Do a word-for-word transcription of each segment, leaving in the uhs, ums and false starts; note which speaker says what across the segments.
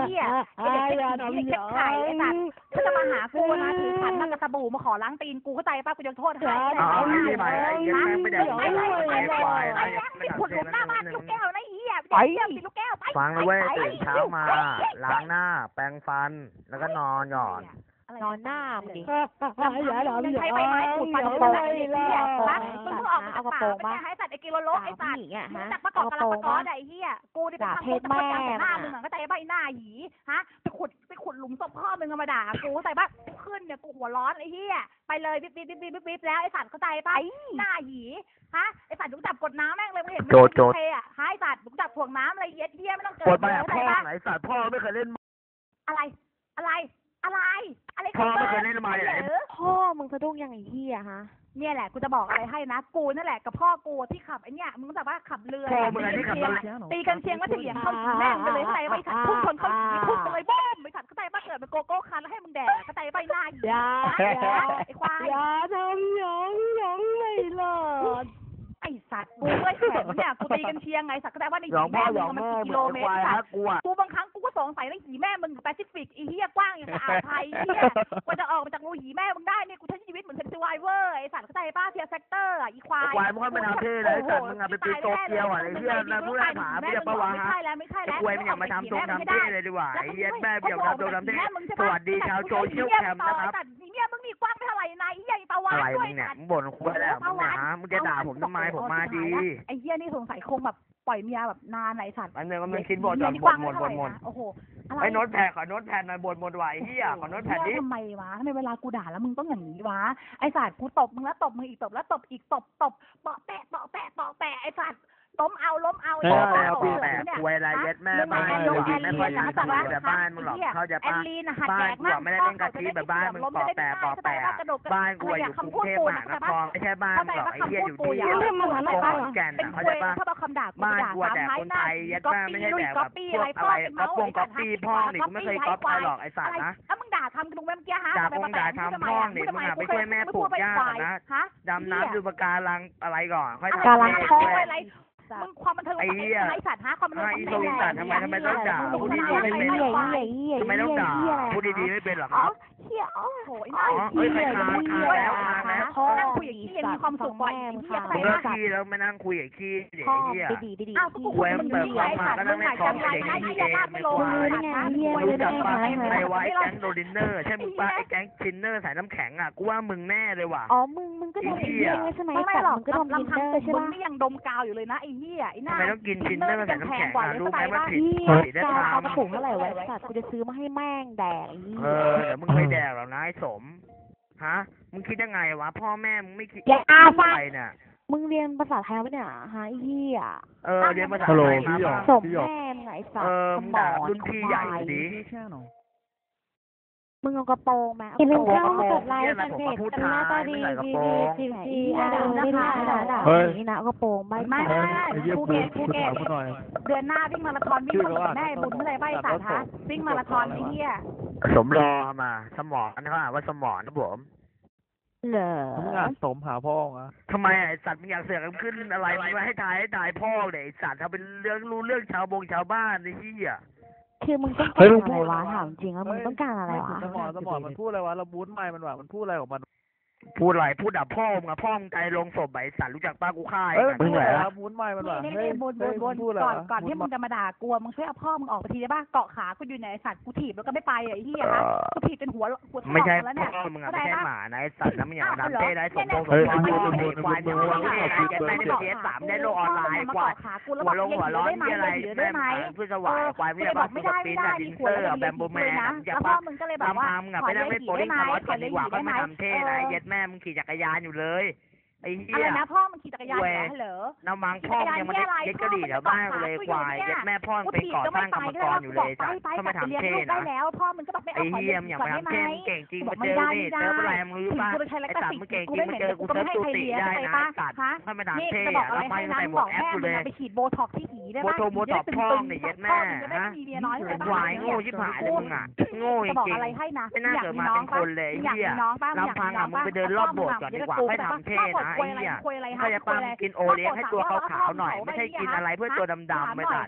Speaker 1: หี้ยไอ้เด็กเช็คผีเด็กเช็คไข่ไอ้สัตว์ถ้าจะมาหากูนะถือขันมากระสบู่มาขอล้างตีนกูเข้าใจป่ะกูจะโทษให้
Speaker 2: เอาไอ้ใหม่ไอ้เย็นแม่ไม่ได้ไอ้ไอ้ควายไอ้
Speaker 1: ไม่ขุดหลุมหน้าบ้านลูกแก้วนะไอ้เหี้ยไปติดลูกแก้วไป
Speaker 2: ฟังเลยเว้ยตื่นเช้ามาล้างหน้าแปรงฟันแล้วก็นอนหย่อน
Speaker 3: นอนหน้ามึงดิ
Speaker 1: อย่าหลับอย่าใช้ใบไม้ขูดฟันโป่งไอ้เหี้ยนะมึงเพิ่งออกมาจากป่าไปให้สัตว์ไอ้กิโลโลไอ้สัตว์มึงจากประกอบกระลับประกอบไอ้เหี้ยกูนี่เป็นทำโทษประจำหน้ามึงก็ใจใบหน้าหยีฮะไปขุดไปขุดหลุมศพพ่อมึงมาด่ากูใส่บ้าขึ้นเนี่ยกูหัวร้อนไอ้เหี้ยไปเลยบิ๊บบิ๊บบิ๊บบิ๊บบิ๊บแล้วไอ้สัตว์เข้าใจป่ะหน้าหยีฮะไอ้สัตว์มึงจับกดน้ำแม่งเลยมึงเห็นไหมโจดอ่ะฮะไอ้สัตว์มึงจับถ่วงน้ำอะไรเย็ดเหี้ยไม่ต้องเกิด
Speaker 2: กดไปอ่ะพ่อไหนสัตว์พ่อไม่เคยเล่น
Speaker 1: อะไรอะไรอะไรอะไร
Speaker 2: พ่อไม่เคยเล่นมาไหน
Speaker 3: พ่อมึงสะดุ้งยังไงเหี้ยฮะ
Speaker 1: เนี่ยแหละกูจะบอกอะไรให้นะกูนั่นแหละกับพ่อกูที่ขับไอ้เนี่ยมึงแบบว่าขับเรือตีกันเชียงว่าจะเหยียบเข้าแม่งไปเลยเข้าใจไว้ขัดพุ่งชนเขาพุ่งไปเลยบ้มไปขัดเข้าใจป่ะเกิดเป็นโกโก้คันแล้วให้มึงแดกเข้าใจป่ะหน้าหยีไอ้ควาย
Speaker 3: อย่าทำหยองหยองไม่หลอด
Speaker 1: ไอสัตว์กูเลยแขนเนี่ยกูตีกันเชียงไงสัตว์ก็ได้ว่าในหีแม่มึงมันกิโลเมตรสัตว์กูบางครั้งกูก็สงสัยในหีแม่มึงแปซิฟิกอีเหี้ยกว้างอย่างอ่าวไทยเหี้ยกว่าจะออกมาจากรูหีแม่มึงได้เนี่ยกูใช้ชีวิตเหมือนเซนซิไวเวอร์ไอสัตว์เข้าใจป้าเทียร์เซกเตอร์อีควาย
Speaker 2: ควายมึงไม่ทำเท่เลยสัตว์มึงอะเป็นปีโตเกียวอะไอเหี้ยนั่นผู้แรกหาไม่ได้ประวัติฮะควายมึงอย่ามาทำทรงทำเท่เลยดีกว่าไอเหี้ยแม่เบี่ยวทำทรงทำเท่สวัสดีชาวโซเชียลแคมป์นะครับ
Speaker 1: เนี่ยมึงมีกว้างไม่เท่าไหร่นายไอ้ใหญ่ประวัติ
Speaker 2: ด้วยเนี่ยมึงบ่นควายแล้วมึงนะมึงจะด่าผมทำไมผมมาดี
Speaker 1: ไอ้เหี้ยนี่สงสัยคงแบบปล่อยเมียแบบนานไหนสัตว์
Speaker 2: อันนึงก็มันคิดบทจนบทหมดบทหมด
Speaker 1: โอ้โห
Speaker 2: ไอ้โน้ตแผ่ขอโน้ตแผ่หน่อยบทหมดไหวเหี้ยขอโน้ตแผ่ดิ
Speaker 1: ทำไมวะทำไมเวลากูด่าแล้วมึงต้องอย่างนี้วะไอ้สัตว์กูตบมึงแล้วตบมึงอีกตบแล้วตบอีกตบตบเปาะแปะเปาะแปะเปาะแปะไอ้สัตว์ล้มเอาล้มเอา
Speaker 2: ไอ้แปะแปะควยอะไรเย็ดแม่บ้านเลยแม่บ้านแบบบ้านมึงหรอกเขาจะบ้านบ้านกูไม่ได้เป็นกะทิแบบบ้านมึงปอแปะปอแปะบ้านกูอยู่กรุงเทพมหานครไม่ใช่บ้านมึงหรอกไอ้เหี้ยอยู่ที่ขอนแก่นเขาจะบ้านบ้านกูแต่คนไทยยัดแม่ไม่ใช่แบบแบบพวกอะไรก๊อปวงก๊อปปี้พ่อนี่กูไม่เคยก๊อปใครหรอกไอ้สัตว์นะ
Speaker 1: แล้วมึงด่าทำกูเมื่อกี้ฮะ
Speaker 2: ด่าพงด่าทำพ่อนี่มึงอะไปช่วยแม่ปลูกหญ้านะดำน้ำดูปะการังอะไรก่อนค่อยทำ
Speaker 1: การังท้องอะไรมึงความบันเทิงไอ้ไอ้สัตว์ฮะความบันเทิงไอ้
Speaker 2: โซลิสัตทำไมทำไมต้องด่าพูดดีๆไม่เป็นทำไมต้องด่าพูดดีๆไม่เป็นหรอครับ
Speaker 1: เฮียโอ้โหไอ้
Speaker 2: น้องเอ้ยใครทานทานแล้วทานแล้ว
Speaker 1: นั่งคุยอย่างนี้ยังมีความสุขบ่อยเฮียใคร
Speaker 2: เลิกขี้แล้วไม่นั่งคุยอย่างขี้เดี๋ยวเฮีย
Speaker 3: ดีดีดี
Speaker 1: อ้าวกูคุยมันอยู่ที่ไหนสัตว์มึงหายใจไหนเฮียมากไม่ลงเลยนะ
Speaker 2: รู้จักปะไอ้ไว้แก๊งโดดินเนอร์ใช่มึงปะไอ้แก๊งชินเนอร์สายน้ำแข็งอ่ะกูว่ามึงแน่เลยว่ะ
Speaker 3: อ๋อมึงมึงก็ทำเองใช่ไหมไม่หรอก
Speaker 1: ก็ทำดินเนอร์ใช่ไหมมึงนี่ยังดมกาวอยู่เลยนะไอ้เฮียไอ้หน้า
Speaker 2: ทำไมต้องกินชินเนอร์ใส่น้ำแข็งอ่ะรู้ไหมว่าผิดผิดได้ทาง
Speaker 3: เอากระปุกเท่าไหร่ไว้สัตว์กูจะซื้อมาให้แม่งแดก
Speaker 2: เออเดี๋ยวมึงไม่แดกหรอกนะไอ้สมฮะมึงคิดยังไงวะพ่อแม่มึงไม่คิดอะไรเนี่ย
Speaker 3: มึงเรียนภาษาไทยปะเนี่ยฮะไอ้เหี้ย
Speaker 2: เออเรียนภาษาไทยมา
Speaker 3: สมแม่ไงสัตว์สมอง
Speaker 2: รุ่นพี่ใหญ่ดี
Speaker 3: มึงเอากระโปรงมา
Speaker 2: เอากระโปรงกดไลค์เป็นเพจกันหน้าตาดีดี
Speaker 3: ดีดีด่าไม่ด่าด่าด่าอย่างนี้นะเอากระโปรงไม่
Speaker 1: ไม่ภูเก็ตภูเก็ตเดือนหน้าวิ่งมาราธอนวิ่งกับแม่บุญเมื่อไรใบสาธาวิ่งมาราธอนไอ้เหี้ย
Speaker 2: สมรอมาสมองอันนี้เขาอ่านว่าสมองนะผม
Speaker 3: เหรอ
Speaker 4: มึงอ่านสมหาพ่ออ่ะ
Speaker 2: ทำไมไอ้สัตว์มึงอยากเสือกขึ้นอะไรมึงมาให้ตายให้ตายพ่อเลยไอ้สัตว์ทำเป็นเรื่องรู้เรื่องชาวบงชาวบ้านไอ้เหี้ย
Speaker 3: คือมึงต้องการอะไรวะถามจริงว่ามึงต้องการอะไรวะ
Speaker 4: สมองสมองมันพูดอะไรวะเราบูทไม่มันว่ามันพูดอะไรของมัน
Speaker 2: พูดอะไรพูดด่าพ่อมึงอะพ่อมึงใจลงศพใบสัตว์รู้จักป้ากูฆ่า
Speaker 4: ไอ้มึงไหนอะบูทไม่มันว่า
Speaker 1: นี่นี่บนบนบนก่อนก่อนที่มึงจะมาด่ากลัวมึงช่วยเอาพ่อมึงออกไปทีได้ป่ะเกาะขากูอยู่ในสัตว์กูถีบแล้วก็ไม่ไปไอ้เหี้ยฮะกูถีบเป็นหัวหัว
Speaker 2: ไม่ใช่พ่อมึงอะไม่ใช่หมานะไอ้สัตว์แล้วมึงอย่างนั้นเต้ได้สมบูรณ์สมบูรณ์ควายมึงว่าเนี่ยไม่ได้เสียสามได้โลออนไลน์ควายหัวลงหัวร้อนที่อะไรแม่เพื่อสวายควายไม่ได้บอกไม่ได้ไม่ได้ดินเซอร์แบมโบแมน
Speaker 1: แล้วพ่อมึงก็เลยแบบว่า
Speaker 2: ทำมึงอะไปนั่งเล่นโบลิ่งคาร์ลอสกันดีกว่าก็ไม่ทำเท่นะเย็ดแม่มึงขี่จักรยานอยู่เลยไอ้เหี้ย
Speaker 1: อะไรนะพ่อมันขี่จักรยานเหรอ
Speaker 2: น้ำมังพ่อยังมันเย็ดกระดี่แถวบ้านเลยควายเย็ดแม่พ่อไปก่อสร้างกรรมกรอยู่เลยจ้ะก็มาทำเท่นะไอ้เหี้ยอย่างมาทำเท่เก่งจริงมาเจอนี่เจออะไรมึงรู้ป่ะไอ้สัตว์มึงเก่งจริงมาเจอกูเซิร์ฟตูติได้นะสัตว์ถ้าไม่ทำเท่อะแล้วไปใส่หมวกแอปกูเลย
Speaker 1: ไปฉีดโบท็อกที่หีได้
Speaker 2: โบโทโบท็อกพ่อเนี่ยเย็ดแม่ฮะควายโง่ชิบหายเลยมึงอ่ะโง่จริงไม่น่าเกิดมาเป็นคนเลยเหี้ยลำพังอ่ะมึงไปเดินรอบโบสถ์ก่อนดีกว่าให้ทำเท่นะไอ้เหี้ยเขาจะปั้มกินโอเลี้ยงให้ตัวขาวๆหน่อยไม่ใช่กินอะไรเพื่อตัวดำๆไม่ตัด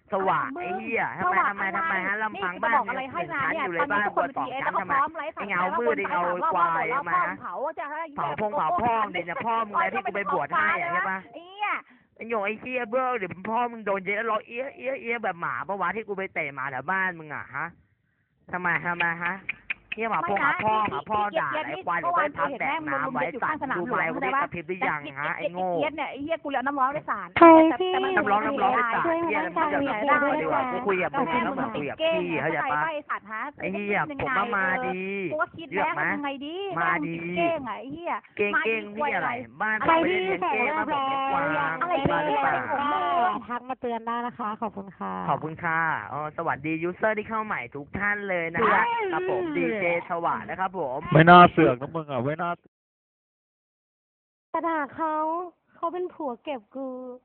Speaker 2: สว่างไอ้เหี้ยทำไมทำไมทำไมฮะลำพังบ้านหนึ่งชั้นอยู่เลยบ้านบนสองชั้นทำไมไอ้เงามืดไอ้เงาควายทำไมฮะ
Speaker 1: เผาจะให้
Speaker 2: เผาพงเผาพ่อมึงเนี่ยพ่อมึงไงที่กูไปบวชให้อะใช่ปะ
Speaker 1: ไอ้เหี้ย
Speaker 2: ไอ้โยงไอ้เหี้ยเบ้อเดี๋ยวพ่อมึงโดนเยอะร้องเอี้ยเอี้ยเอี้ยแบบหมาปะวะที่กูไปเตะหมาแถวบ้านมึงอ่ะฮะทำไมทำไมฮะเหี้ยหมาพงหมาพ่อหมาพ่อด่าไอ้ควายหรือไปพักแดกน้ำไว้ตัดดูอะไรกูได้กระพริบหรือยังฮะไอ้โง่
Speaker 1: เหี้ยเนี่ยไอ้เหี้ยกูเลี้ยน้ำร้อนได้สาร
Speaker 3: ใครพี่
Speaker 2: น้ำร้อนน้ำร้อนไอ้สัต
Speaker 3: ช่วย
Speaker 2: ว์เหี้ย
Speaker 3: ให้
Speaker 2: แล้วมึ
Speaker 3: ฟั
Speaker 2: ง
Speaker 3: ง
Speaker 2: จะ
Speaker 3: หน่อย
Speaker 2: ดีกว่าดีกว่ากูคุยกับมึงแล้วเหมือนคุยกับพี่เขาใจปะ
Speaker 1: ไอ้สัตว์ฮะ
Speaker 2: ไอ้เหี้ยผมว่ามาดี
Speaker 1: กูก็คิดแล้วทำไงดีเก้งไอ้เหี้ย
Speaker 2: เก่งเก่งนี่อะไรบ้าน
Speaker 3: ใคร
Speaker 2: ไม่
Speaker 3: ที่
Speaker 2: ได้เลี้ยง
Speaker 3: ใส่
Speaker 2: เก้ง
Speaker 3: แล้
Speaker 2: มาว แบบเลี้ยงกวาง
Speaker 1: อะไร
Speaker 2: บ้านหรือเปล่า
Speaker 3: ทักมาเตือนได้นะคะ ขอบคุณค่ะ
Speaker 2: ขอบคุณค่ะอ๋อสวัสดียูเซอร์ที่เข้าใหม่ทุกท่านเลยนะฮะครับผมดีเจสวัสดิ์นะครับผม
Speaker 4: ไม่น่าเสือกนะมึงอ่ะไม่น่าก
Speaker 3: ระดาษเขาเขาเป็นผัวเก็บกู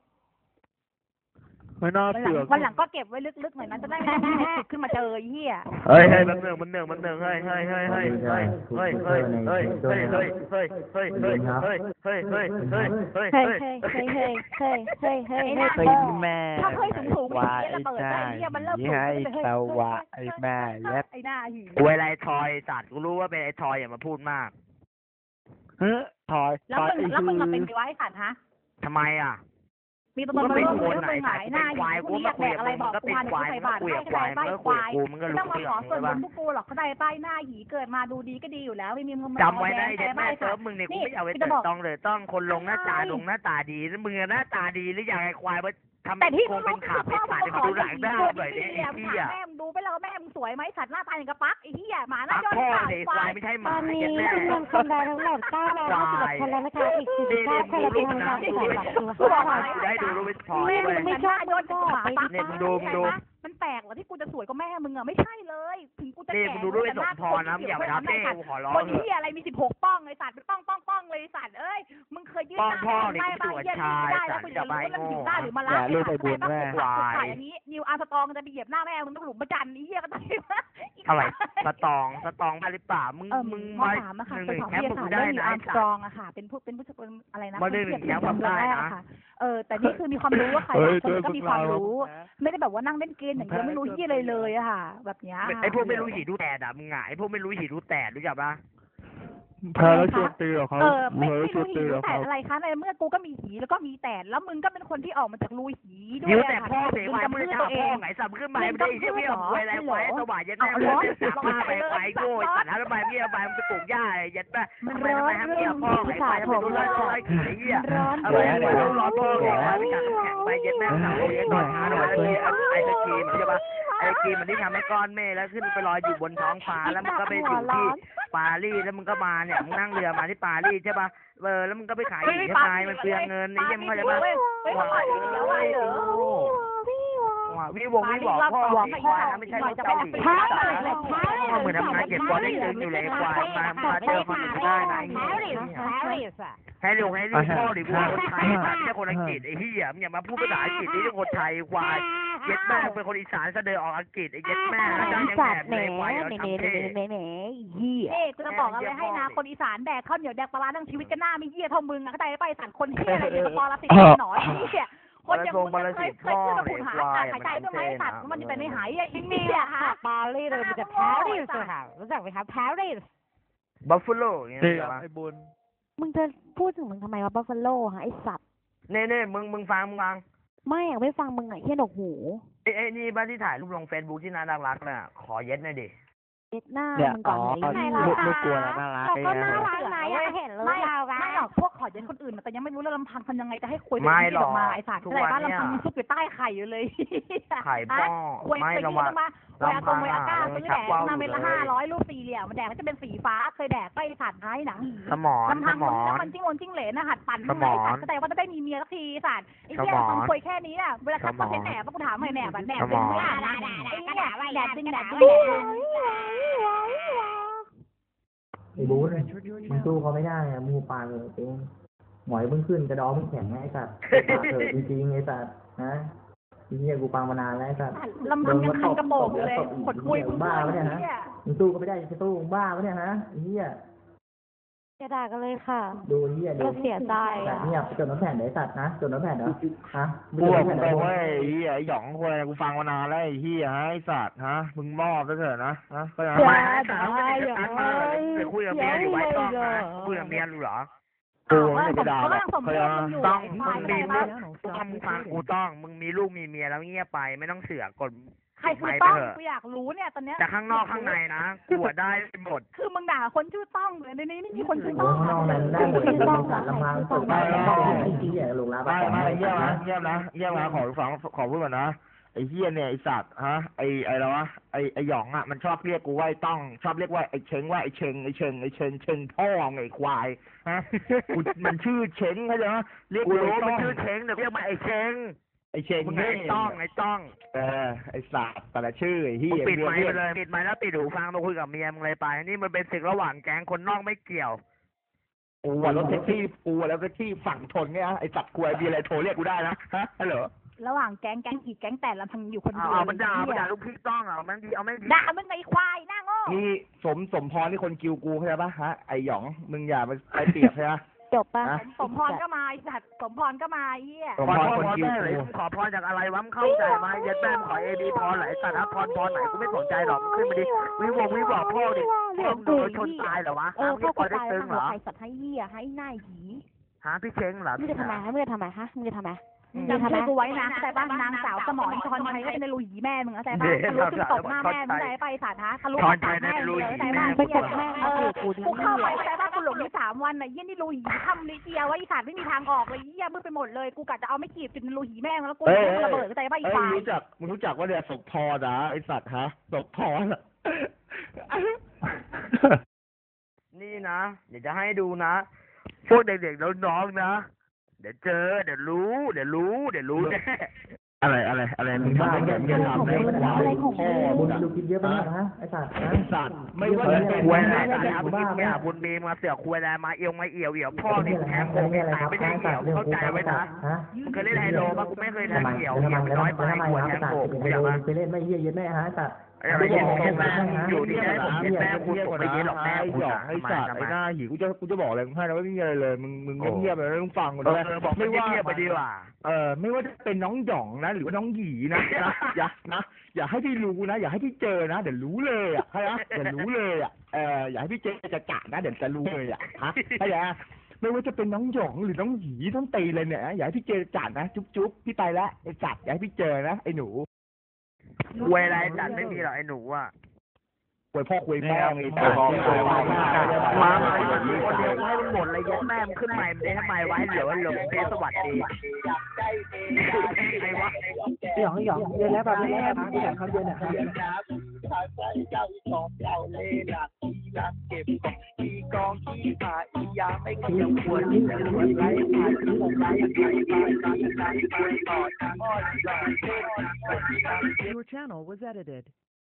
Speaker 4: ไม่น่า
Speaker 1: วันหลั
Speaker 4: เสื
Speaker 1: ง
Speaker 4: อก
Speaker 1: วันหลังก็เก็บไว้ลึกๆหน่อยนะจะได้ไม่ต้องติดขึ้นมาเจอไอ้เหี้ย
Speaker 2: เฮ้ยเฮ้ยมันหนึ่งมันหนึ่งมันหนึ่งเฮ้ยเฮ้ยเฮ้ยเฮ้ยเฮ้ยเฮ้ยเฮ้ยเฮ้ยเฮ้ยเฮ้ยเฮ้ยเฮ้ยเฮ้ยเฮ้ยเฮ้ยเฮ้ยเฮ้ยเฮ้ยเฮ้ย
Speaker 3: เฮ้ย
Speaker 2: เฮ้ย
Speaker 3: เฮ้ยเฮ้ยเฮ้ยเฮ้ยเฮ้ยเฮ้ยเฮ้ย
Speaker 1: ไอ้
Speaker 3: เฮ้ย
Speaker 1: หน้า
Speaker 5: แม่
Speaker 1: ถ้าเคยสูงสูงไอ้เหี้ยระเบิดไอ้เหี้ยมันเริ่มสูง
Speaker 5: ให้สวะไอ้แม่ยัด
Speaker 1: ไอ้หน้าหิน
Speaker 2: กูอะไรทอยสัตว์กูรู้ว่าเป็นไอ้ทอยอย่ามาพูดมาก
Speaker 5: เฮ้ยถอย
Speaker 1: แล้ว
Speaker 5: ถอย
Speaker 1: มึง
Speaker 5: ไอ้
Speaker 1: แล้วมึง
Speaker 5: ฮื
Speaker 1: มาเป็น
Speaker 5: อ
Speaker 1: ไงวะไอ้สัตว์ฮะ
Speaker 2: ทำไมอ่ะ
Speaker 1: มีตัว
Speaker 2: กู
Speaker 1: ตน
Speaker 2: ก็
Speaker 1: มา
Speaker 2: เป็น
Speaker 1: ร่วม
Speaker 2: คน
Speaker 1: ด้วย
Speaker 2: ไหน
Speaker 1: เป็นห
Speaker 2: สั
Speaker 1: มา
Speaker 2: ต
Speaker 1: ย
Speaker 2: ว์
Speaker 1: หน้า
Speaker 2: เป็น
Speaker 1: หิ
Speaker 2: ควาย
Speaker 1: น
Speaker 2: กู
Speaker 1: กู
Speaker 2: มา
Speaker 1: เรียก
Speaker 2: คุย
Speaker 1: แบ
Speaker 2: กั
Speaker 1: ก
Speaker 2: บ
Speaker 1: อะไร
Speaker 2: มึง
Speaker 1: บอก
Speaker 2: ก็
Speaker 1: กู
Speaker 2: เป็น
Speaker 1: มา
Speaker 2: ควาย
Speaker 1: ใส่
Speaker 2: มึง
Speaker 1: บา
Speaker 2: ก็
Speaker 1: ตร
Speaker 2: คุย
Speaker 1: ไม่
Speaker 2: กับ
Speaker 1: ใช่
Speaker 2: ควาย
Speaker 1: ใบ
Speaker 2: มึงก็
Speaker 1: ควา
Speaker 2: คุย
Speaker 1: ย
Speaker 2: กับมึงใช่ปะ
Speaker 1: ส่วนพวกกูหรอกเขาได้ป้ายหน้าหีเกิดมาดูดีก็ดีอยู่แล้วไม่มีมึง
Speaker 2: จำไว้นะไอ้เด็กแม่เซิร์ฟมึงเนี่ยกูไม่เอาไว้เติต้องเลยต้องคนลงหน้าตาลงหน้าตาดีแล้วมึงหน้าตาดีหรืออย่างไอ้ควายว่าทำ
Speaker 1: แต่ที่
Speaker 2: คงเป็นขาเป็นขาเนี่ยมาดูหลังได้หน่อยดิไอ้เหี้ย
Speaker 1: แม่มึงดูไปแล้วแม่มึงสวยไหมสัตว์หน้าตาอย่างกระปักไอ้เหี้ยหมาหน้า
Speaker 2: ปัก
Speaker 1: ย้อน
Speaker 2: พ่อ
Speaker 1: ขา
Speaker 2: เลยควายไม่ใช่ห
Speaker 3: ต
Speaker 2: มา
Speaker 3: อนนี้
Speaker 2: เจ็ดแม่
Speaker 3: จำนวนคนได้ทั้งหมดเก้าร้อยห้าสิบเอ็ดคนแล้วนะคะ อีกสี่สิบเก้าคนเราจะทำการสอบหลักคือ
Speaker 2: กู
Speaker 3: ห้า
Speaker 2: บอก
Speaker 3: ร้อย
Speaker 2: กูได้ดูรูปพอ
Speaker 3: ไม่
Speaker 2: เว้ย
Speaker 3: ไม่ชอบ
Speaker 1: โยนกับหมาปัก
Speaker 2: เนี่ยมึงดูมึงดู
Speaker 1: มันแปลกเหรอที่กูจะสวยกว่าแม่มึงอ่ะไม่ใช่เลยถึงกูจะ
Speaker 2: นี่
Speaker 1: แก่
Speaker 2: มึงดูรูปไอ้สมพรนะมึงอย่าไปทำเท่กูขอร้อง
Speaker 1: คน
Speaker 2: เถอะ
Speaker 1: ที่อะไรมีสิบหกป้องไอ้สัตว์เป็นป้องป้องป้องเลยไอ้สัตว์เอ้ยมึงเคยยืด
Speaker 2: ป้องพ่อ
Speaker 1: ได้
Speaker 2: เนี่ย
Speaker 1: บ้า
Speaker 2: กู
Speaker 1: เยี่ยม
Speaker 2: ชาย
Speaker 1: ได้
Speaker 2: สั
Speaker 1: แล้ว
Speaker 2: ตว์
Speaker 1: คุณ
Speaker 2: จะ
Speaker 1: จะ
Speaker 2: ไป
Speaker 1: รู้ว่ามัน
Speaker 2: โง่
Speaker 1: ถึงได้หรือมา
Speaker 5: อย่าลูกไปบุญแม่
Speaker 1: ควายอันนี้นิวอาร์สตองจะไปเหยียบหน้าแม่มึงต้องหลุมประจันนี้เหี้ยก็ได้
Speaker 2: อะไรสตองสตองมาหรือเปล่ามึง
Speaker 1: เออ
Speaker 2: มึง
Speaker 1: ม
Speaker 2: มา
Speaker 1: ถามอะ
Speaker 2: ห
Speaker 1: ค่ะ
Speaker 2: นึ่งห
Speaker 1: ไป
Speaker 2: นึ่ง
Speaker 1: สอบ
Speaker 2: แคป
Speaker 1: วิท
Speaker 2: มึง
Speaker 1: ยาศาสตร์
Speaker 2: ได้
Speaker 1: เรื่องนิวอาร์มสตร
Speaker 2: นะไอ้สัต
Speaker 1: อ
Speaker 2: ว์
Speaker 1: งอะค่ะเป็นผู้เป็นผู้เป็นอะไรนะ
Speaker 2: มาหนึ่งหนึ่งแคปแบบได้นะ
Speaker 1: ค่ะเออแต่นี่คือมีความรู้ว่าใคร
Speaker 4: เฮ้ย
Speaker 1: บางคนก็มีความรู้
Speaker 4: นะ
Speaker 1: ไม่ได้แบบว่านั่งเล่นเกมอย่างเดียวไม่รู้ที่อะไรเลยอะค่ะ แบบเนี้ย
Speaker 2: ไอ้พวกไม่รู้หีดูแตดอ่ะมึงอ่ะไอ้พวกไม่รู้หีดูแตดรู้จักปะ
Speaker 4: แพ้แล้วชวนตีเหรอเขา
Speaker 1: เออไม่
Speaker 4: แพ้แล้ว
Speaker 1: ไม่
Speaker 4: ชว
Speaker 1: รู้
Speaker 4: น
Speaker 1: หี
Speaker 4: ตีเหร
Speaker 1: รู้
Speaker 4: อ
Speaker 1: แต่
Speaker 4: เขา
Speaker 1: อะไรคะในเมื่อกูก็มีหีแล้วก็มีแต่แล้วมึงก็เป็นคนที่ออกมาจากรูหีด้วย
Speaker 2: หิว
Speaker 1: อะ
Speaker 2: แต่
Speaker 1: ค่ะ
Speaker 2: พ่อเสีย
Speaker 1: มึ
Speaker 2: ควาย
Speaker 1: ง
Speaker 2: มึง
Speaker 1: กำพืช
Speaker 2: จะ
Speaker 1: ตัวเอ
Speaker 2: พ่อง ไงสับขึ้นมาไม่ได้ไอ้เหี้ยเบี้ยควายอะไรควายสว่างยันแม่
Speaker 1: เอา
Speaker 2: มึง
Speaker 1: ร้อน
Speaker 2: จะสับมาไปควายโง่สัตว์แล้วไปเบี้ยไปมึงจะปลูกหญ้ายันแม่
Speaker 3: มัน
Speaker 2: ทำไม
Speaker 3: ร้อ
Speaker 2: ทำไม
Speaker 3: น
Speaker 2: ทำ
Speaker 3: เรื่
Speaker 2: เบี้
Speaker 3: อย ง
Speaker 2: พ่อ
Speaker 3: ภา
Speaker 2: ไอ้
Speaker 3: ษา
Speaker 2: ควาย
Speaker 3: ผ
Speaker 2: ไม่
Speaker 3: ม
Speaker 2: รู้ร้อยร้อยกี่ไอ้เหี้ย
Speaker 3: ร้อน
Speaker 2: เอาไปไม่รู้ร้อนพ่อไงควายไม่กัดแข็งไปยันแม่สาวยันนอนช้าหน่อยไอ้สกีมใช่ปะไอ้กีมันที่ทำให้ก้อนเมฆแล้วขึ้นไปลอยอยู่บนท้องฟ้าแล้วมันก็ไปอยู่ที่ปารีสแล้วมึงก็มาเนี่ยมึงนั่งเรือมาที่ปารีสใช่ปะเออแล้วมึงก็ไปขายหีใช่ไหมมันเปลืองเงินไอ้เหี้ยมึงก็จะมา
Speaker 1: เฮ้ยเขาปล่อยอย่างเดียวเลยเหรอ
Speaker 2: ว่าวิวงวิบอกพ่อวิควายนะไม่ใช่รถเกาหลีก็เหมือนทำงานเก็บตัวได้ตึงอยู่เลยควายมามาเจอคนอื่นได้นะไอ้เหี้ยให้ลูกให้ลูกพ่อหรือกูคนไทยไม่ใช่คนอังกฤษไอ้เหี้ยมึงอย่ามาพูดภาษาอังกฤษนี่เป็นคนไทยควายเย็ดแม่เป็นคนอีสานเสดอออกอังกฤษไอ้เย็ดแม่แล้วยัง
Speaker 3: สั
Speaker 2: แบ
Speaker 3: ต
Speaker 2: บ
Speaker 3: ว์แห
Speaker 2: เล
Speaker 3: น
Speaker 2: ยควาย
Speaker 3: แห
Speaker 2: เรา
Speaker 3: น
Speaker 2: ทำ
Speaker 3: แหน
Speaker 2: เท่
Speaker 3: แหนแหนเหี้ย
Speaker 1: เอ๊ะกูจะบอกอะไรให้นะคนอีสานแดกข้าวเหนียวแดกปลาร้าทั้งชีวิตก็หน้าไม่เหี้ยเท่ามึงอะเข้าใจไปสันคนเหี้ยอะไรเนี่ยปอละสิบหนอนเหี้ยคนอย่างมึงเคยเคยขึ้นมาขุดหาหายใจด้วยไหมสัตว์มันจะเป็นในหายไอ้เหี้ยฮะ
Speaker 3: ปารีสเลยมันจะปารีสค่ะรู้จักไหมคะปารีส
Speaker 2: บัฟฟาโลอย่างเงี้ย
Speaker 4: นี่ไอ้บุญ
Speaker 3: มึงจะพูดถึงมึงทำไมวะบัฟฟาโลฮะไอสัตว์
Speaker 2: เน่เน่มึงมึงฟังมึงฟัง
Speaker 3: ไม่อยากไม่ฟังมึงอ่ะเฮียหนกหู
Speaker 2: ไอ้ไอ้นี่บ้านที่ถ่ายรูปลงเฟซบุ๊กที่น่ารักๆน่ะขอเย็ดหน่อยดิ
Speaker 3: เอ็ดหน้า
Speaker 5: เนี่ย
Speaker 3: มึงก่
Speaker 5: อ๋
Speaker 3: อ
Speaker 5: อน
Speaker 3: ไหน
Speaker 5: ลูกลูกกลัวแล้วน่ารัก
Speaker 3: เรา
Speaker 5: ไอ้
Speaker 3: ก็
Speaker 5: เงี้
Speaker 3: น่าย รักนะอยากเห็นลูก
Speaker 1: ไม่
Speaker 3: เรา
Speaker 1: ไม่หรอกพวกขอเย็นคนอื่นแต่ยังไม่รู้เรื่องลำพังทำยังไงจะให้คุย
Speaker 2: ไม่หรอก
Speaker 1: มาไอ้สัตว์อะไรบ้านลำพังซุกอยู่ใต้ไข่อยู่เลย
Speaker 2: ไข่ป้อ
Speaker 1: คุย
Speaker 2: ไม่
Speaker 1: ไป
Speaker 2: ระ
Speaker 1: ยื
Speaker 2: วัง
Speaker 1: นมาเวลาตรงเวลาก้าซื้อแดกมาเป็นละห้าร้อยลูกสี่เหลี่ยมมันแดกก็จะเป็นสีฟ้าเคยแดกไปสัตว์ท้ายหนัง
Speaker 2: สมอน
Speaker 1: ลำ
Speaker 2: ส
Speaker 1: พัง
Speaker 2: ม
Speaker 1: มึ
Speaker 2: อง
Speaker 1: แล้ว
Speaker 2: น
Speaker 1: มันจิ้งวนจิ้งเหลนนะหัดปั่น
Speaker 2: สมอน
Speaker 1: สัตว์แต่ว่าจะได้มีเมียสักทีสัตว์ไอ้เหี้ย
Speaker 2: สมอน
Speaker 1: คนคุยแค่นี้น่ะเวลาคัดก็เป็นแหนบกูถามหน่อยแหนบแหนบเป็นไม่อ่านนะไอ้เหี้ยแหนบจริงแหนบจริง
Speaker 6: ไอ้บูธมึงสู้เขาไม่ได้อะมูปากเลยเองหมอยมึงขึ้นกระดองมึงแข็งไอ้สัตว์ปากเถอะจริงๆไอ้สัตว์นะทีนี้กูปังมานานแล้วไอ้สัตว์
Speaker 1: ลำพังยังคันกระโปงอยู่เลยขดคุยมึง
Speaker 6: บ้าปะเนี่ยฮะ
Speaker 1: เหี้ย
Speaker 6: มึงสู้ก็ไม่ได้จะสู้มึงบ้าปะเนี่ยฮะไอ้เหี้ย
Speaker 3: จะด่ากันเลยค่ะ
Speaker 6: ดูเหี้ยดู
Speaker 3: ก็เสียใจ
Speaker 6: แบบ
Speaker 3: อ่ะ
Speaker 6: เงียบจดน้ำแผ่นไหนสัตว์นะจดน้ำแผ่นเหรอฮะ
Speaker 2: กูบอกมึงไปเว้ยไอ้เหี้ยไอ้หยองคนอะไรกูฟังมานานแล้วไอ้เหี้ยฮะไอ้สัตว์ฮะมึงมอบไปเถอะนะฮะก็ยัง
Speaker 3: อย่า
Speaker 2: ไม่
Speaker 3: ด่าอย่า
Speaker 2: ไปคุยกับเมียอยู่ไว้ต้องนะคุยกับเมียรู้เหรอ
Speaker 1: กู
Speaker 2: กูไม่ได้ไปด่าหรอก
Speaker 1: สม
Speaker 2: เค
Speaker 1: ม
Speaker 2: ย
Speaker 1: ติมึงอยู่
Speaker 2: ต้อง
Speaker 1: ไอ้
Speaker 2: มึ
Speaker 1: ควาย
Speaker 2: งมี
Speaker 1: เข้า
Speaker 2: ลู
Speaker 1: ใจ
Speaker 2: ก
Speaker 1: ปะ
Speaker 2: ต้องมึงฟังกูต้องมึงมีลูกมีเมียแล้วเงียบไปไม่ต้องเสือกกด
Speaker 1: ใครคือ
Speaker 2: ไม่
Speaker 1: ต้อง
Speaker 2: ไปเถอะ
Speaker 1: กูอยากรู้เนี่ยตอนเนี้ย
Speaker 2: แต่ข้างนอกข้างในนะกูอะได้หมด
Speaker 1: คือมึงด่าคนชื่อต้องเลยในนี้ไม่มีคนชื่อ
Speaker 6: โอ้
Speaker 1: ต้อง
Speaker 6: ข้างนอกนั้นได้หมดเลยสารลำพังสุดไปแล้วไอ้เหี้ยลงรับ
Speaker 2: ไม่ไม่เยี่ยมนะเยี่ยมนะเยี่ยมนะขอฟังขอพูดก่อนนะไอ้เฮียเนี่ยไอ้สัตว์ฮะไอ้ไอ้อะไรวะไอ้ไอ้หยองอ่ะมันชอบเรียกกูว่าไอ้ต้องชอบเรียกว่าไอ้เชงว่าไอ้เชงไอ้เชงไอ้เชงเชงพ่อไงไอ้ควายฮะกูมันชื่อเชงเข้าใจไหมเรียกกูรู้มันชื่อเชงแต่เรียกมันไอ้เชงไอ้เชงมึงไอ้ต้องไอ้ต้องเออไอ้สัตว์แต่ละชื่อไอ้เฮียปิดไมค์ไปเลยปิดไมค์แล้วปิดหูฟังมาคุยกับเมียมึงเลยไปนี่มันเป็นศึกระหว่างแก๊งคนนอกไม่เกี่ยวกูว่ารถแท็กซี่กูแล้วแท็กซี่ฝั่งทนเนี่ยไอ้สัตว์กูไอ้มีอะไรโทรเรียกกูได้นะฮะฮัลโหล
Speaker 1: ระหว่างแก๊งแก๊งผีแก๊งแต่ละพังอยู่คนเดียว
Speaker 2: เอามันด่ามันด่าลูกพี่ต้องอ่ะมันดีเอาไม่ดี
Speaker 1: ด่ามึงไอ้ควายหน้าโง่
Speaker 2: นี่สมสมพรที่คนกิวกูเข้าใจปะฮะไอหยองมึงอย่ามาไปเปรียบใช่ไหม
Speaker 3: จบป่ะ
Speaker 1: สมพรก็มาไอ้สัตว์สมพรก็มาไอ้เหี้ย
Speaker 2: สมพรคนกิวกูขอพรจากอะไรวะมึงเข้าใจไหมยัดแม่ขอเอบีพรไหนสัตว์พรพรไหนกูไม่สนใจหรอกขึ้นมาดิวิววิวบอกพ่อดิพ่อมึงโดนชนตายเหรอวะ
Speaker 3: เออ
Speaker 2: พี่
Speaker 3: เข้า
Speaker 2: ปอ
Speaker 3: ใจ
Speaker 2: ได้ตึงเหรอ
Speaker 3: ใครสัตว์ให้เหี้ยให้หน้าหี
Speaker 2: ฮะพี่เช้งเหรอ
Speaker 3: มึงจะทำไมฮะมึงจะทำไมฮะมึงจะทำไม
Speaker 1: จำชื่อกูไว้นะแต่บ้านนางสาวสมรชอนชัยก็เป็นในรูหีแม่มึงเข้าใจป่ะทะลุขึ้นตบหน้าแม่มึงเข้าใจป่ะไอ้สัตว์ฮะทะลุปากแม่มึงเลยเข้าใจป่ะ
Speaker 3: ไปกดแม่
Speaker 1: เออ
Speaker 3: กูดิ
Speaker 1: กูเข้าไปเข้าใจป่ะกูหลงอยู่สามวันน่ะเยี่ยนี่รูหีทำลิเจียไว้ไอ้สัตว์ไม่มีทางออกเลยเยี่ยมืดไปหมดเลยกูกะจะเอาไม่ขีดจุดในรูหีแม่มึงแล้วกูระเบิดเข้าใจป่ะไอ้
Speaker 2: เอ้ย
Speaker 1: ควาย
Speaker 2: รู้จักมึงรู้จักว่าเนี่ยศพพอนะไอสัตว์ฮะศพพอน่ะนี่นะเดี๋ยวจะให้ดูนะพวกเด็กๆน้องๆนะเดี๋ยวเจอเดี๋ยวรู้เดี๋ยวรู้เดี๋ยวรู้แน่อะไรอะไรอะไรมึงทำอะไรมึงจะทำอะไรควายพ่อ
Speaker 6: บุ
Speaker 2: มึ
Speaker 6: ญ
Speaker 2: งอะ
Speaker 6: ดูคิดเยอะไปเนี่ยฮะไอ้สัตว์
Speaker 2: ไอ้สัตว์ไม่ว่าจะเป็นคุยอะไรนะบุญมีบุญมีมาเสือกคุยอะไรมาเอียวมาเอี่ยวเอี่ยวพ่อนี่แทงโคงตายไม่ได้เอี่ยวเข้าใจไว้นะมึงเคยเล่นไฮโลป่ะกูไม่เคยแทงเอี่ยวเอี่ยวน้อยไปหัวแทงโคงกูอยากมา
Speaker 6: ไปเล่นไม่เยี่ยเย็ดแม่ฮะสัตว์
Speaker 2: ไอ้ไอ้เย็นแม่อยู่ที่ไหนผมเย็นแม่คุณผมไปเย็นหรอกแม่คุณหยอกไอ้สัตว์ไอ้หน้าหิวกูจะกูจะบอกอะไรมึงให้นะว่าไม่มีอะไรเลยมึงมึงเงียบๆเลยต้องฟังกูด้วยไม่ว่าไปดีกว่าเออไม่ว่าจะเป็นน้องหยองนะหรือว่าน้องหยีนะอย่านะอย่าให้พี่รู้นะอย่าให้พี่เจอนะเดี๋ยวรู้เลยอ่ะใช่ไหมเดี๋ยวรู้เลยอ่ะเอออย่าให้พี่เจอจะกะนะเดี๋ยวจะรู้เลยอ่ะฮะใช่ไหมไม่ว่าจะเป็นน้องหยองหรือน้องหยีต้องตีเลยเนี่ยอย่าให้พี่เจอจัดนะจุ๊บจุ๊บพี่ไปแล้วไอ้จัดอย่าให้พี่เจอนะไอ้หนูคุยอะไรจัดไม่มีหรอกไอ้หนูอ่ะคุยพ่อคุยแม่ไงแต่มาไอ้คนเดียวให้มันหมดเลยยัดแม่มันขึ้นใหม่มันได้ทำไมไว้เหลือหลงเพสวัสดีใครวะ
Speaker 6: หยองหยองเย็นแล้วแบบนี้ครับเย็นครับเย็นนะครับเย็น
Speaker 7: Your channel was edited.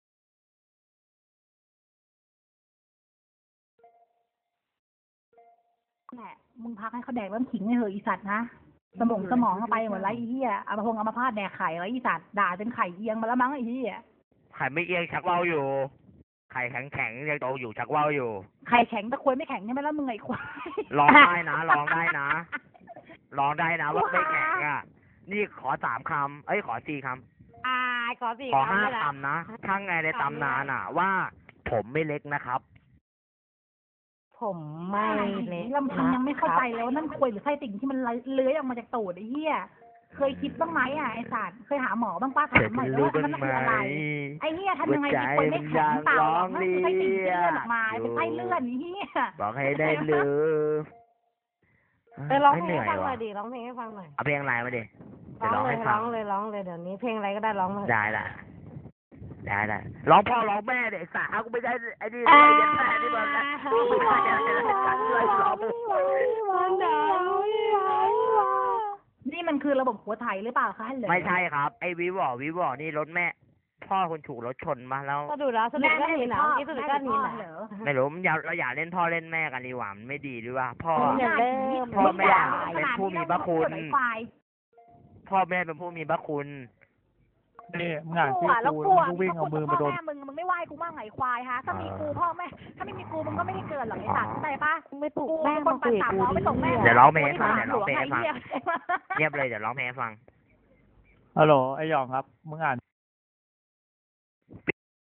Speaker 1: แหละมึงพักให้เขาแดกน้ำขิงให้เหอะอีสัตว์นะสมองสมองเข้าไปหมดไรไอ้เหี้ยเอามาพงเอามาพาดแดกไข่ไรอีสัตว์ด่าจนไข่เอียงมาแล้วมั้งไอ้เหี้ย
Speaker 2: ไข่ไม่เอียงชักว่าวอยู่ ไข่แข็งแข็งยังโตอยู่ชักว่าวอยู่
Speaker 1: ไข่แข็งตะควยไม่แข็งใช่ไหมแล้วมึงไอ้ควาย
Speaker 2: ลองได้นะลองได้นะลองได้นะว่าไม่แข็งอ่ะ นี่ขอสามคำเอ้ยขอสี่ค
Speaker 3: อ่าขอสี่
Speaker 2: ำขอ
Speaker 3: คำ
Speaker 2: ห้า
Speaker 3: เลยนะ
Speaker 2: คำนะทั้งไงในตำนานอ่ะ ว่าผมไม่เล็กนะครับ
Speaker 3: ผมไม่เล็ก
Speaker 1: ลำพังยังไม่เข้าใจเลยว่านั่นควยหรือไส้ติ่งที่มันเลื้อยออกมาจากตูดไอ้เหี้ยเคยคิดบ้างไหมอ่ะไอ้สัตว์เคยหาหมอบ้างป้าถามหน่อยว่ามันคืออะไรไอ้เหี้ยทำยังไงจิตควยไม่แข็งเปล่ามันคือไส้ติ่งที่เลื่อนออกมาเป็นไส้เลื่อนไอ้เหี้ย
Speaker 2: บอกให้ได้ลืม
Speaker 3: ไปร้องเพล
Speaker 2: เห
Speaker 3: ง
Speaker 2: นื่
Speaker 3: ให้
Speaker 2: อย
Speaker 3: ฟังหน่
Speaker 2: ว่ะ
Speaker 3: อยดิร้องเพลงให้ฟังหน่อย
Speaker 2: เอาเพลงอะไรมาดิจะ
Speaker 3: ร้
Speaker 2: ร้
Speaker 3: อ
Speaker 2: อง ง
Speaker 3: เล
Speaker 2: ให้
Speaker 3: ย
Speaker 2: ฟั
Speaker 3: ร้อง งเลยร้องเลยเดี๋ยวนี้เพลงอะไรก็ได้ร้องเลย
Speaker 2: ได้ละได้ละร้องพ่อร้องแม่เด็กสาวกูไม่ได้ไอ้นี่ไอ้ยันแม่นี่มันนะไม่ใช่อะไรช่วยร้อง
Speaker 1: นี่มันคือระบบหัวไถหรือเปล่าคะเหรอ
Speaker 2: ไม่ใช่ครับไอ้วิวอวิวอนี่รถแม่ พ่อคนถูกรถชนมาแล้ว
Speaker 3: สะดุดแล้วสะดุดก็หนีหนังนี่สะดุดก็หนีหนัง
Speaker 1: เหรอ
Speaker 2: ไม่รู้มันอย่าเราอย่าเล่นพ่อเล่นแม่กันดีกว่ามันไม่ดีด้วยว่าพ่อ
Speaker 3: อย่าเล่น
Speaker 2: พ่อแม่เป็นผู้มีพระคุณ
Speaker 1: ไอ้ควาย
Speaker 2: พ่อแม่เป็นผู้มีพระคุณ
Speaker 4: นี่มึงอ่าน
Speaker 1: กู
Speaker 4: ชื่อ
Speaker 1: อ่ะแล้ว
Speaker 4: กู
Speaker 1: กู
Speaker 4: แล้ว
Speaker 1: อ่ะ
Speaker 4: มึงก็วิ่งเอามือมาโดน
Speaker 1: พ่อแม่มึงมึงไม่ไหวกูมั่งไงควายฮะถ้ามีกูพ่อแม่ถ้าไม่มีกูมึงก็ไม่ได้เกิดหรอกไอ้สัตว์เข้าใจปะ
Speaker 3: ไม่ปลุก
Speaker 1: กู
Speaker 3: แม่
Speaker 1: เป็นค
Speaker 3: มาน คุ
Speaker 1: ปั่
Speaker 3: ย
Speaker 1: น
Speaker 3: กับ
Speaker 1: สาม
Speaker 3: กู
Speaker 1: ล้อไปส่งแม่
Speaker 2: เดี๋ยวร้องเพลงให้ฟังเดี๋ยวร้องเพลงให้ฟัง
Speaker 1: เหี้ย
Speaker 2: เงียบเลยเดี๋ยวร้องเพลงให้ฟัง
Speaker 4: ฮัลโหลไอหยองครับ มึงอ่าน